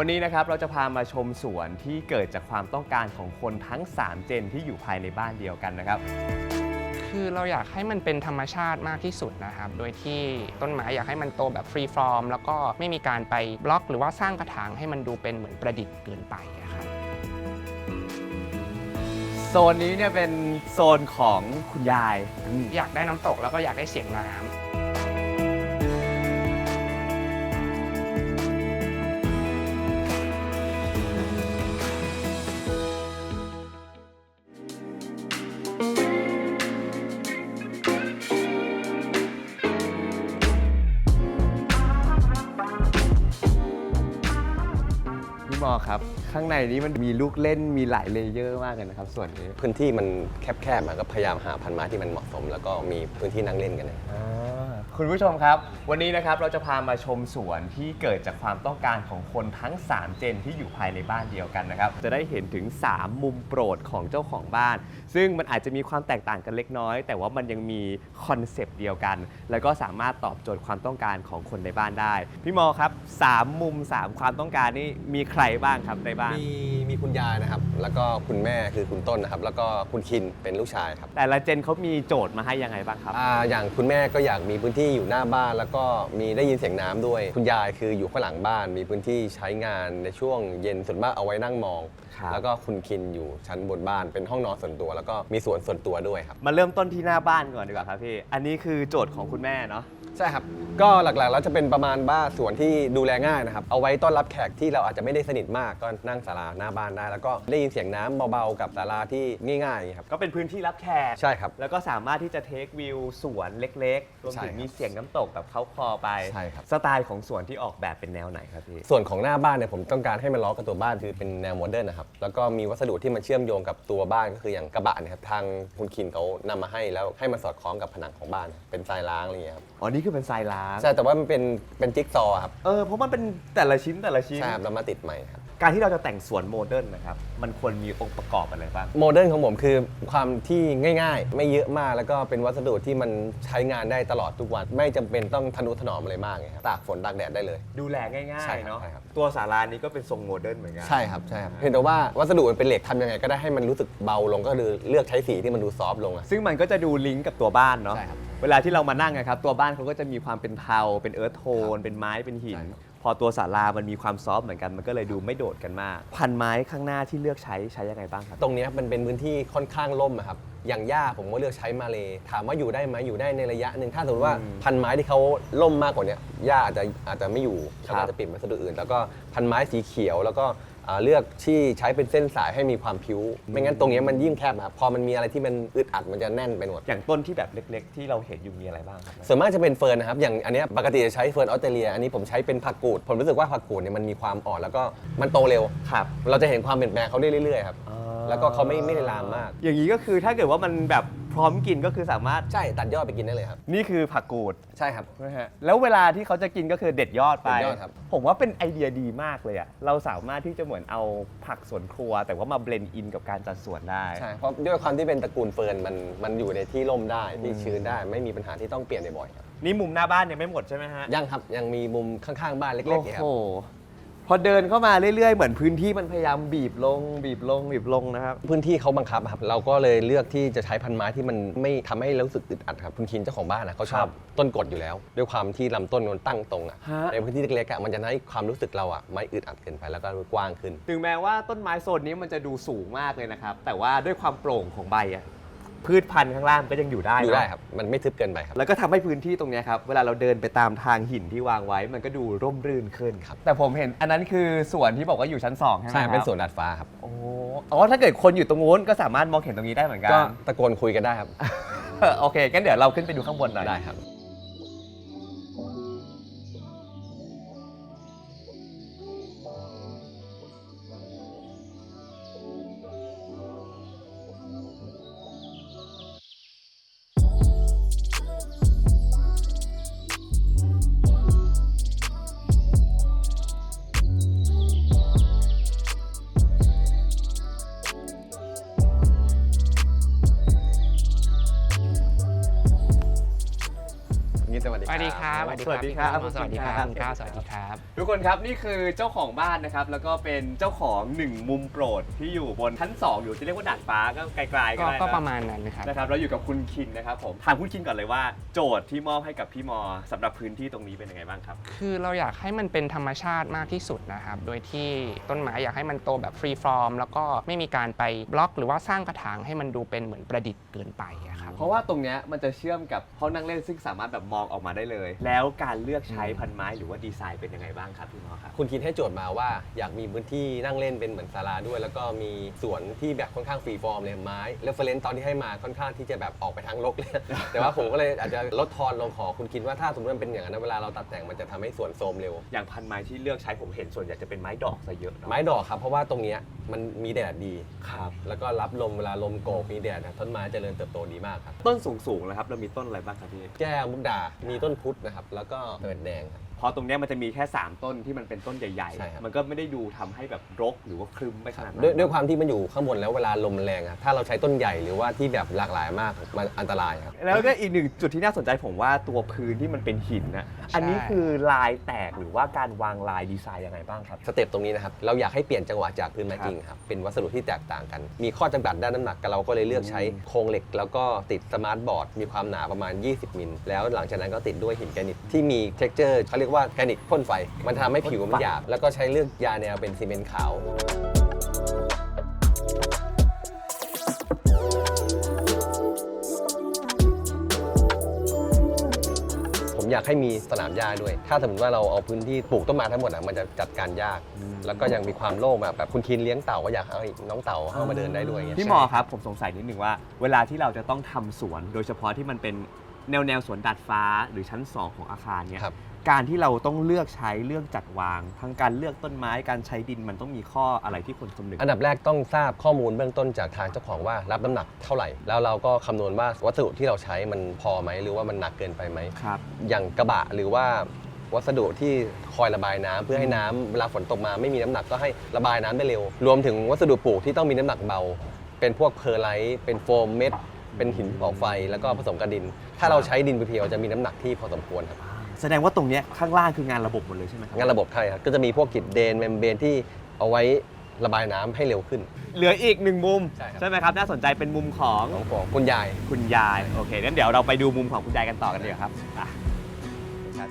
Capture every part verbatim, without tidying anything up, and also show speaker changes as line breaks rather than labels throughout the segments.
วันนี้นะครับเราจะพามาชมสวนที่เกิดจากความต้องการของคนทั้งสามเจนที่อยู่ภายในบ้านเดียวกันนะครับ
คือเราอยากให้มันเป็นธรรมชาติมากที่สุดนะครับโดยที่ต้นไม้อยากให้มันโตแบบฟรีฟอร์มแล้วก็ไม่มีการไปบล็อกหรือว่าสร้างกระถางให้มันดูเป็นเหมือนประดิษฐ์เกินไปครับ
โซนนี้เนี่ยเป็นโซนของคุณยาย
อยากได้น้ำตกแล้วก็อยากได้เสียงน้ำ
พี่มอครับข้างในนี้มันมีลูกเล่นมีหลายเลเยอร์มากเลยนะครับส่วนนี้
พื้นที่มันแคบๆมันก็พยายามหาพันธุ์ไม้ที่มันเหมาะสมแล้วก็มีพื้นที่นั่งเล่นกันนะ
คุณผู้ชมครับวันนี้นะครับเราจะพามาชมสวนที่เกิดจากความต้องการของคนทั้งสามเจนที่อยู่ภายในบ้านเดียวกันนะครับจะได้เห็นถึงสามมุมโปรดของเจ้าของบ้านซึ่งมันอาจจะมีความแตกต่างกันเล็กน้อยแต่ว่ามันยังมีคอนเซปต์เดียวกันแล้วก็สามารถตอบโจทย์ความต้องการของคนในบ้านได้พี่มอครับสามมุมสามความต้องการนี่มีใครบ้างครับในบ้าน
มีมีคุณยายนะครับแล้วก็คุณแม่คือคุณต้นนะครับแล้วก็คุณคินเป็นลูกชายครับ
แต่ละเจนเขามีโจทย์มาให้ยังไงบ้างครับ
อ่าอย่างคุณแม่ก็อยากมีพื้นที่อยู่หน้าบ้านแล้วก็มีได้ยินเสียงน้ำด้วยคุณยายคืออยู่ข้างหลังบ้านมีพื้นที่ใช้งานในช่วงเย็นส่วนมากเอาไว้นั่งมองแล้วก็คุณคินอยู่ชั้นบนบ้านเป็นห้องนอนส่วนตัวแล้วก็มีสวนส่วนตัวด้วยครับ
มาเริ่มต้นที่หน้าบ้านก่อนดีกว่าครับพี่อันนี้คือโจทย์ของคุณแม่เนาะ
ใช่ครับก็หลักๆแล้วจะเป็นประมาณบ้านสวนที่ดูแลง่ายนะครับเอาไว้ต้อนรับแขกที่เราอาจจะไม่ได้สนิทมากก็นั่งศาลาหน้าบ้านได้แล้วก็ได้ยินเสียงน้ำเบาๆกับศาลาที่ง่ายๆครับ
ก็เป็นพื้นที่รับแขก
ใช่ครับ
แล้วก็สามารถที่จะเทควิวสวนเล็กๆรวมถึงมีเสียงน้ำตกแบบเขาคอไป
ใช่ครับ
สไตล์ของสวนที่ออกแบบเป็นแนวไหนครับพี่
ส่วนของหน้าบ้านเนี่ยผมต้องการให้มันล้อกับตัวบ้านคือเป็นแนวโมเดิร์นนะครับแล้วก็มีวัสดุที่มันเชื่อมโยงกับตัวบ้านก็คืออย่างกระบะเนี่ยครับทางคุณคินเขานำมาให้แล้วให้มันสอดคล้องกับผนังของบ้านเป็นทรายล้างอะไรอย่างเงี้ยครับ
อ๋อนี่คือเป็นทรายล้าง
ใช่แต่ว่ามันเป็นเป็นจิ๊กซอว์ครับ
เออเพราะมันเป็นแต่ละชิ้นแต่ละชิ้น
ใช่ครับแล้วมาติดใหม่ครับ
การที่เราจะแต่งสวนโมเดิร์นนะครับมันควรมีองค์ประกอบอะไรบ้าง
โมเดิร์นของผมคือความที่ง่ายๆไม่เยอะมากแล้วก็เป็นวัสดุที่มันใช้งานได้ตลอดทุกวันไม่จำเป็นต้องทนุถนอมอะไรมากครับตากฝนตากแดดได้เลย
ดูแลง่ายๆเนาะ
ใช่ครับ
ตัวศาลานี้ก็เป็นทรงโมเดิร์นเหมือนกัน
ใช่ครับใช่ครับเพียงแต่ว่าวัสดุมันเป็นเหล็กทำยังไงก็ได้ให้มันรู้สึกเบาลงก็คือเลือกใช้สีที่มันดูซอฟต์ลง
ซึ่งมันก็จะดูลิงก์กับตัวบ้านเนาะ
ใช่ครับ
เวลาที่เรามานั่งนะครับตัวบ้านเขาก็จะมีความเป็นเทาเป็นเอิร์ธโทนเป็นไม้เป็นหินพอตัวศาลามันมีความซอฟต์เหมือนกันมันก็เลยดูไม่โดดกันมากพันไม้ข้างหน้าที่เลือกใช้ใช้ยังไงบ้างครับ
ตรงนี้มันเป็นพื้นที่ค่อนข้างร่มครับอย่างหญ้าผมก็เลือกใช้มาเลยถามว่าอยู่ได้ไหมอยู่ได้ในระยะหนึ่งถ้าสมมติว่าพันไม้ที่เขาร่มมากกว่านี้หญ้าอาจจะอาจจะไม่อยู่เขาอาจจะเปลี่ยนวัสดุอื่นแล้วก็พันไม้สีเขียวแล้วก็เลือกที่ใช้เป็นเส้นสายให้มีความพิ้วไม่งั้นตรงนี้มันยิ่งแคบครับพอมันมีอะไรที่มันอึดอัดมันจะแน่นไปหมด
อย่างต้นที่แบบเล็กๆที่เราเห็นอยู่มีอะไรบ้างครับ
ส่วนมากจะเป็นเฟิร์นนะครับอย่างอันนี้ปกติจะใช้เฟิร์นออสเตรเลียอันนี้ผมใช้เป็นผักกูดผมรู้สึกว่าผักกูดเนี่ยมันมีความอ่อนแล้วก็มันโตเร็ว
ครับ
เราจะเห็นความเปลี่ยนแปลงเขาได้เรื่อยๆครับแล้วก็เขาไม่ไม่ได้ลามมาก
อย่างนี้ก็คือถ้าเกิดว่ามันแบบพร้อมกินก็คือสามารถ
ใช่ตัดยอดไปกินได้เลยครับ
นี่คือผักกูด
ใช่ครับ
นะฮะแล้วเวลาที่เขาจะกินก็คือเด็ดยอดไป
เด็ดยอดครับ
ผมว่าเป็นไอเดียดีมากเลยอะเราสามารถที่จะเหมือนเอาผักสวนครัวแต่ว่ามาเบลนด์อินกับการจัดสวนได้
ใช่เพราะด้วยความที่เป็นตระกูลเฟิร์นมันมันอยู่ในที่ร่มได้ที่ชื้นได้ไม่มีปัญหาที่ต้องเปลี่ยนบ่อยครับ
นี่มุมหน้าบ้านยังไม่หมดใช่ไหมฮะ
ยังครับยังมีมุมข้างๆบ้านเล็กๆครับ
โอ้โหพอเดินเข้ามาเรื่อยๆเหมือนพื้นที่มันพยายามบีบลงบีบลงบีบลงนะครับ
พื้นที่เขาบังคับครับเราก็เลยเลือกที่จะใช้พันไม้ที่มันไม่ทำให้รู้สึกอึดอัดครับคุณคินเจ้าของบ้านนะเขาชอบต้นกดอยู่แล้วด้วยความที่ลำต้นมันตั้งตรงอ่ะในพื้นที่เล็กๆมันจะให้ความรู้สึกเราอ่ะไม่อึดอัดเกินไปแล้วก็กว้างขึ้น
ถึงแม้ว่าต้นไม้โซนนี้มันจะดูสูงมากเลยนะครับแต่ว่าด้วยความโปร่งของใบอ่ะพืชพันธุ์ข้างล่างก็ยังอยู่ได้
อยู่ได้ครับมันไม่ทึบเกินไปครับ
แล้วก็ทำให้พื้นที่ตรงนี้ครับเวลาเราเดินไปตามทางหินที่วางไว้มันก็ดูร่มรื่นขึ้นครับแต่ผมเห็นอันนั้นคือสวนที่บอกว่าอยู่ชั้นสองใช่ไหมครับ
ใช่เป็นสวนดาดฟ้าครับ
โอ้อ๋อถ้าเกิดคนอยู่ตรงนู้นก็สามารถมองเห็นตรงนี้ได้เหมือนกัน
ก็ตะโกนคุยกันได้ครับ
โอเคงั้นเดี๋ยวเราขึ้นไปดูข้างบนหน่อย
ได้ครับ
สวัสดีครับ
สวัสดีครับ
สวัสดีครับคุณก้าวสวัสดีครับ
ทุกคนครับนี่คือเจ้าของบ้านนะครับแล้วก็เป็นเจ้าของหนึ่งมุมโปรดที่อยู่บนชั้นสองอยู่ที่เรียกว่าดาดฟ้าก็ไกลๆก็
ก็
ได้
ก็
น
ประมาณนั้นนะครับ
นะครับแล้วอยู่กับคุณคินนะครับผมถามคุณคินก่อนเลยว่าโจทย์ที่มอบให้กับพี่มอสำหรับพื้นที่ตรงนี้เป็นยังไงบ้างครับ
คือเราอยากให้มันเป็นธรรมชาติมากที่สุดนะครับ โดยที่ต้นไม้อยากให้มันโตแบบฟรีฟอร์มแล้วก็ไม่มีการไปบล็อกหรือว่าสร้างกระถางให้มันดูเป็นเหมือนประดิษฐ์เกินไปอะครับ
เพราะว่าตรงเนี้ยมันจะเชื่อมกับห้องนั่งเล่นซึ่งสามารถแบบมองออกมาได้เลย แล้วการเลือกใช้พันไม้หรือว่าดีไซน์เป็นยังไงบ้างครับพี่มอครับ
คุณคิดให้โจทย์มาว่าอยากมีพื้นที่นั่งเล่นเป็นเหมือนศาลาด้วย แล้วก็มีสวนที่แบบค่อนข้างฟรีฟอร์มเลยไม้เรฟเฟรนซ์ตอนที่ให้มาค่อนข้างที่จะแบบออกไปทางรกเลย แต่ว่าผมก็เลยอาจจะลดทอนลงขอคุณคิดว่าถ้าสมมติมันเป็นอย่างนั้นเวลาเราตัดแต่งมันจะทำให้สวนโทรมเร็ว
อย่างพันไม้ที่เลือกใช้ผมเห็นส่วนใหญ่จะเป็นไม้ดอกซะเยอะเนอะ
ไม้ดอกครับเพราะว่าตรงเนี้ยมันมีแดดดี
ครับ
แล้วก็รับลมเวลาลมโกกมีแดดนะต้นไม้เจริญเติบโตดีมากครับ
ต้นสูงๆนะครับเรามีต้นอะไรบ้างครับพี่
แก้วมุกดา มีต้นพุทธนะครับแล้วก็เอิดแดงครับ
เพราะตรงเนี้ยมันจะมีแค่สามต้นที่มันเป็นต้นใหญ่
ใช่ครับ
ๆมันก็ไม่ได้ดูทำให้แบบรกหรือว่าครึ้มไปขนาดนั้น
ด้วยด้วยความที่มันอยู่ข้างบนแล้วเวลาลมมันแรงอะถ้าเราใช้ต้นใหญ่หรือว่าที่แบบหลากหลายมากมันอันตรายครับ
แล้วก็อีกหนึ่งจุดที่น่าสนใจผมว่าตัวพื้นที่มันเป็นหินนะอันนี้คือลายแตกหรือว่าการวางลายดีไซน์ยังไงบ้างครับ
สเต็ปตรงนี้นะครับเราอยากให้เปลี่ยนจังหวะจากพื้นไม้จริงครับเป็นวัสดุที่แตกต่างกัน มีข้อจำกัดด้านน้ำหนักเราก็เลยเลือกใช้โครงเหล็ก แล้วก็ติดสมาร์ทบอร์ดมีความหนาประมาณ ยี่สิบ มิลแล้วหลังจากนั้นก็ติดด้วยหินแกรนิตที่มีเท็กเจอร์เขาเรียกว่าแกรนิตพ่นไฟ มันทำให้ผิวมันหยาบแล้วก็ใช้เลือกยาแนวเป็นซีเมนต์ขาว ผมอยากให้มีสนามหญ้าด้วย ถ้าสมมติว่าเราเอาพื้นที่ปลูกต้นไม้ทั้งหมดอ่ะมันจะจัดการยาก แล้วก็ยังมีความโล่งแบบแบบคุณคินเลี้ยงเต่าก็อยากให้น้องเต่าเข้ามาเดินได้ด้วยอย่างเงี้ย
พี่หมอครับผมสงสัยนิดนึงว่า เวลาที่เราจะต้องทำสวน โดยเฉพาะที่มันเป็นแนวแนวสวนดาดฟ้าหรือชั้นสองของอาคารเนี่ย
ครับ
การที่เราต้องเลือกใช้เรื่องจัดวาง ทั้งการเลือกต้นไม้การใช้ดินมันต้องมีข้ออะไรที่ควรคำนึง
อันดับแรกต้องทราบข้อมูลเบื้องต้นจากทางเจ้าของว่ารับน้ำหนักเท่าไหร่ แล้วเราก็คำนวณว่าวัสดุที่เราใช้มันพอไหมหรือว่ามันหนักเกินไปไหม
ครับ
อย่างกระบะหรือว่าวัสดุที่คอยระบายน้ำเพื่อให้น้ำเวลาฝนตกมาไม่มีน้ำหนักก็ให้ระบายน้ำได้เร็ว รวมถึงวัสดุปลูกที่ต้องมีน้ำหนักเบา เป็นพวกเพอร์ไลท์เป็นโฟมเม็ดเป็นหินเผาไฟแล้วก็ผสมกับดิน ถ้าเราใช้ดินเพียวๆจะมีน้ำหนักที่พอสมควรครับ
แสดงว่าตรงเนี้ยข้างล่างคืองานระบบหมดเลยใช่ไหมครับ
งานระบบใช่ครับก็จะมีพวกกิดเดนเมมเบรนที่เอาไว้ระบายน้ำให้เร็วขึ้น
เหลืออีกหนึ่งมุม
ใช่ครับ
ไหมครับน่าสนใจเป็นมุมของ
ของของคุณยาย
คุณยายโอเคงั้นเดี๋ยวเราไปดูมุมของคุณยายกันต่อกันเลยครับอ่ะครับ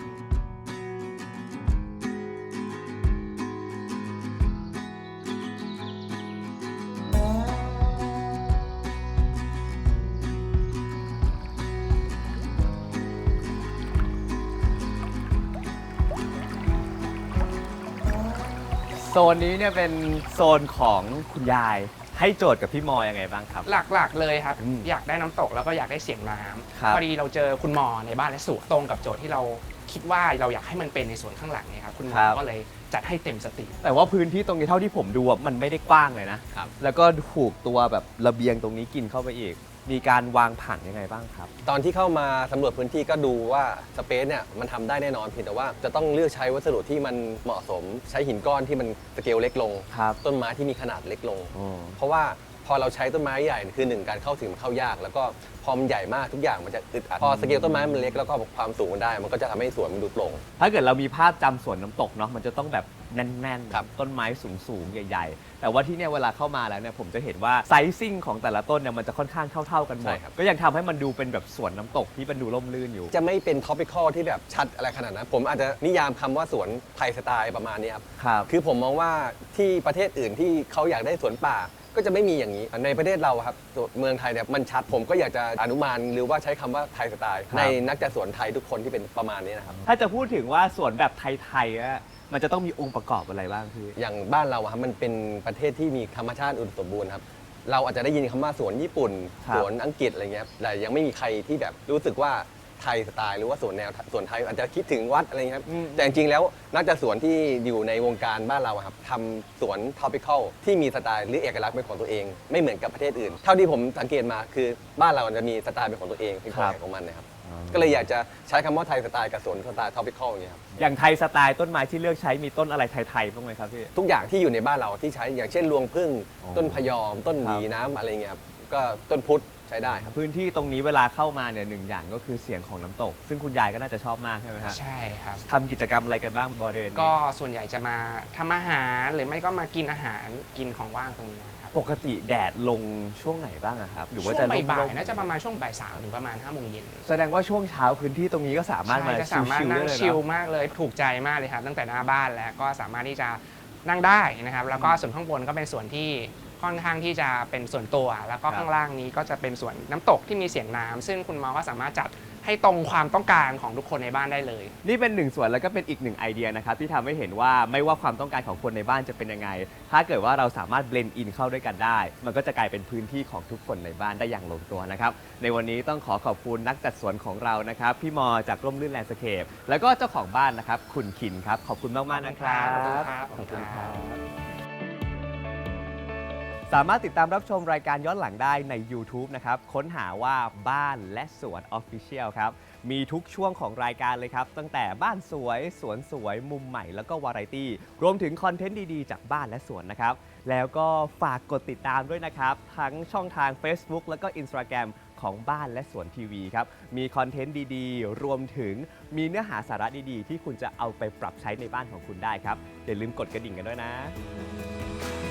โซนนี้เนี่ยเป็นโซนของคุณยายให้โจทย์กับพี่มอยังไงบ้างครับ
หลักๆเลยครับ
อืม
อยากได้น้ำตกแล้วก็อยากได้เสียงน้
ครับ
ำพอดีเราเจอคุณหมอในบ้านและสวนตรงกับโจทย์ที่เราคิดว่าเราอยากให้มันเป็นในส่วนข้างหลังเนี่ยครับคุณหมอก็เลยจัดให้เต็มสตรีม
แต่ว่าพื้นที่ตรงนี้เท่าที่ผมดูอะมันไม่ได้กว้างเลยนะครับ แล้วก็ถูกตัวแบบระเบียงตรงนี้กินเข้าไปอีก มีการวางผังยังไงบ้างครับ
ตอนที่เข้ามาสำรวจพื้นที่ก็ดูว่าสเปซเนี่ยมันทำได้แน่นอนเพียงแต่ว่าจะต้องเลือกใช้วัสดุที่มันเหมาะสม ใช้หินก้อนที่มันสเกลเล็กลง
ครับ
ต้นไม้ที่มีขนาดเล็กลง
อ๋อ
เพราะว่าพอเราใช้ต้นไม้ใหญ่คือหนึ่งการเข้าถึงมันเข้ายาก แล้วก็พอมันใหญ่มากทุกอย่างมันจะอึดอัดพอสเกลต้นไม้มันเล็กแล้วก็ความสูงมันได้ มันก็จะทำให้สวนมันดูโปร่ง
ถ้าเกิดเรามีภาพจำสวนน้ำตกเนาะมันจะต้องแบบแน่นๆ
ครับ
ต้นไม้สูงๆ ใหญ่ๆ แต่ว่าที่เนี่ยเวลาเข้ามาแล้วเนี่ยผมจะเห็นว่าไซซิ่งของแต่ละต้นเนี่ยมันจะค่อนข้างเท่าๆกันหมด
ใช่ครับ
ก็ยังทำให้มันดูเป็นแบบสวนน้ำตกที่มันดูร่มรื่นอยู่
จะไม่เป็นท็อปิคอลที่แบบชัดอะไรขนาดนั้น ผมอาจจะนิยามคำว่าสวนไทยสไตล์ประมาณนี้ครับ
ครับ
คือผมมองว่าที่ประเทศอื่นที่เขาอยากได้สวนป่า ก็จะไม่มีอย่างนี้ ในประเทศเราครับเมืองไทยเนี่ยมันชัด ผมก็อยากจะอนุมานหรือว่าใช้คำว่าไทยสไตล์
ครับ
ในนักจัดสวนไทยทุกคนที่เป็นประมาณนี้นะครับ
ถ้าจะพูดถึงว่าสวนแบบไทยๆอะมันจะต้องมีองค์ประกอบอะไรบ้างพี่
อย่างบ้านเราอะครับมันเป็นประเทศที่มีธรรมชาติอุดมสมบูรณ์ครับเราอาจจะได้ยินคำว่าสวนญี่ปุ่น
ครับ
สวนอังกฤษอะไรเงี้ยแต่ยังไม่มีใครที่แบบรู้สึกว่าไทยสไตล์หรือว่าสวนแนวสวนไทยอาจจะคิดถึงวัดอะไรเงี้ยครับ
อืม
แต่จริงๆแล้วนักจัดสวนที่อยู่ในวงการบ้านเราอะครับทำสวน topical ที่มีสไตล์หรือเอกลักษณ์เป็นของตัวเอง ไม่เหมือนกับประเทศอื่น เท่าที่ผมสังเกตมาคือบ้านเราจะมีสไตล์เป็นของตัวเองเป็นของใครของมันนะครับก็เลยอยากจะใช้คำว่าไทยสไตล์กับสวนสไตล์ topical อย่างเงี้ยครับ
อย่างไทยสไตล์ต้นไม้ที่เลือกใช้มีต้นอะไรไทยๆบ้างไหมครับพี่
ทุกอย่างที่อยู่ในบ้านเราที่ใช้อย่างเช่นรวงผึ้ง
อ๋อ
ต้นพยอม ต้นหวี
ครับ
น้ำอะไรเงี้ยครับก็ต้นพุทธช้ได้ครับ
พื้นที่ตรงนี้เวลาเข้ามาเนี่ยหนึ่งอย่างก็คือเสียงของน้ำตก ซึ่งคุณยายก็น่าจะชอบมากใช่ไหมฮะ
ใช่ครับ
ทำกิจกรรมอะไรกันบ้างบริเวณนี้
ก็ส่วนใหญ่จะมาทำอาหารหรือไม่ก็มากินอาหารกินของว่างตรงนี้ครับ
ปกติแดดลงช่วงไหนบ้างอะครับหรือว่า
ช่ว
จะ
งบ่าย
ร่ม
ๆน่าจะประมาณช่วงบ่ายสามถึงประมาณห้าโมงเย็น
ๆแสดงว่าช่วงเช้าพื้นที่ตรงนี้ก็สามารถมา
ใช่จะสามารถ
ชิลๆ
นั่
ได้
ง
เลย
ชิล
เนาะ
มากเลยถูกใจมากเลยครับตั้งแต่หน้าบ้านแล้วก็สามารถที่จะนั่งได้นะครับแล้วก็ส่วนข้างบนก็เป็นส่วนที่ค่อนข้างที่จะเป็นส่วนตัว แล้วก็
ครับ
ข้างล่างนี้ก็จะเป็นส่วนน้ำตกที่มีเสียงน้ำซึ่งคุณหมอก็สามารถจัดให้ตรงความต้องการของทุกคนในบ้านได้เลย
นี่เป็นหนึ่งส่วนแล้วก็เป็นอีกหนึ่งไอเดียนะครับที่ทำให้เห็นว่าไม่ว่าความต้องการของคนในบ้านจะเป็นยังไง ถ้าเกิดว่าเราสามารถเบลนด์อินเข้าด้วยกันได้ มันก็จะกลายเป็นพื้นที่ของทุกคนในบ้านได้อย่างลงตัวนะครับในวันนี้ต้องขอขอบคุณนักจัดสวนของเรานะครับพี่มอจากร่มรื่นแลนด์สเคปแล้วก็เจ้าของบ้านนะครับคุณขินครับขอบคุณมากๆนะครับ
ขอบคุณครับ
ขอบคุณครับ สามารถติดตามรับชมรายการย้อนหลังได้ใน YouTube นะครับ ค้นหาว่าบ้านและสวน Official ครับ มีทุกช่วงของรายการเลยครับ ตั้งแต่บ้านสวย สวนสวย มุมใหม่แล้วก็วาไรตี้ รวมถึงคอนเทนต์ดี ๆ จากบ้านและสวนนะครับ แล้วก็ฝากกดติดตามด้วยนะครับ ทั้งช่องทาง Facebook แล้วก็ Instagram ของบ้านและสวนทีวีครับ มีคอนเทนต์ดี ๆ รวมถึงมีเนื้อหาสาระดี ๆ ที่คุณจะเอาไปปรับใช้ในบ้านของคุณได้ครับ อย่าลืมกดกระดิ่งกันด้วยนะ